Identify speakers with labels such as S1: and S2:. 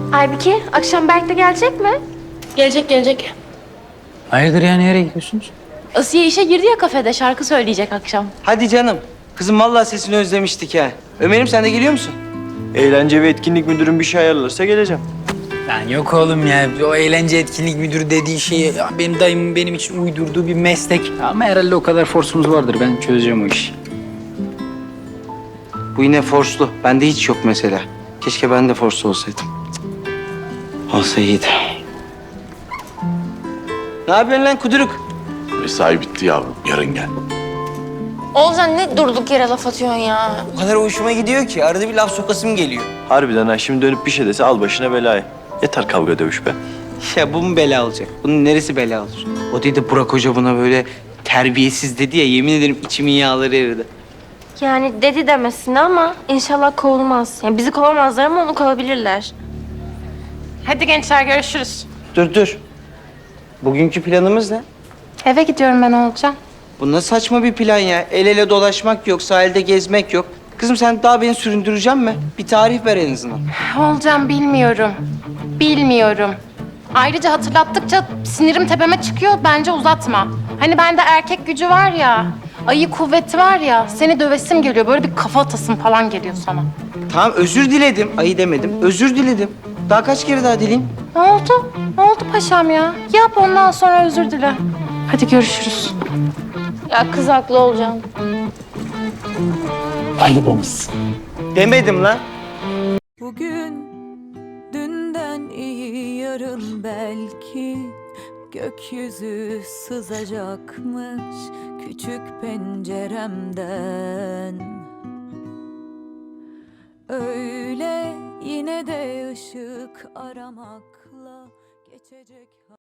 S1: Aybike, akşam Berk de gelecek mi?
S2: Gelecek.
S3: Hayırdır ya, nereye gidiyorsunuz?
S2: Asiye işe girdi ya kafede, şarkı söyleyecek akşam.
S4: Hadi canım. Kızım vallahi sesini özlemiştik ha. Ömer'im sen de geliyor musun?
S5: Eğlence ve etkinlik müdürüm bir şey ayarlarsa geleceğim.
S3: Lan yok oğlum ya, o eğlence etkinlik müdürü dediği şey ya, benim dayımın benim için uydurduğu bir meslek. Ama herhalde o kadar forsumuz vardır, ben çözeceğim o işi.
S4: Bu yine forslu. Bende hiç yok mesela. Keşke ben de forslu olsaydım. Cık. Olsa iyiydi. Ne yapıyorsun lan kuduruk?
S6: Mesai bitti yavrum. Yarın gel.
S1: Oğuzhan ne durduk yere laf atıyorsun ya?
S4: O kadar hoşuma gidiyor ki arada bir laf sokasım geliyor.
S5: Harbiden ha, şimdi dönüp bir şey dese al başına belayı. Yeter kavga dövüş be.
S4: Ya bu mu bela olacak? Bunun neresi bela olur? O dedi Burak Hoca buna böyle terbiyesiz dedi ya, yemin ederim içimin yağları eridi.
S1: Yani dedi demesine ama inşallah kovulmaz. Yani bizi kovamazlar ama onu kovabilirler.
S2: Hadi gençler, görüşürüz.
S4: Dur. Bugünkü planımız ne?
S2: Eve gidiyorum ben Oğulcan.
S4: Bu ne saçma bir plan ya. El ele dolaşmak yok, sahilde gezmek yok. Kızım sen daha beni süründürecek mi? Bir tarih ver en azından.
S2: Oğulcan bilmiyorum. Ayrıca hatırlattıkça sinirim tepeme çıkıyor, bence uzatma. Hani bende erkek gücü var ya, ayı kuvveti var ya, seni dövesim geliyor. Böyle bir kafa atasım falan geliyor sana.
S4: Tamam özür diledim. Ayı demedim. Özür diledim. Daha kaç kere daha dileyim?
S2: Ne oldu? Ne oldu paşam ya? Yap ondan sonra özür dile. Hadi görüşürüz.
S1: Ya kız haklı olacağım.
S4: Demedim lan.
S7: Bugün dünden iyi, yarın belki gökyüzü sızacakmış küçük penceremden. Öyle yine de ışık aramakla geçecek.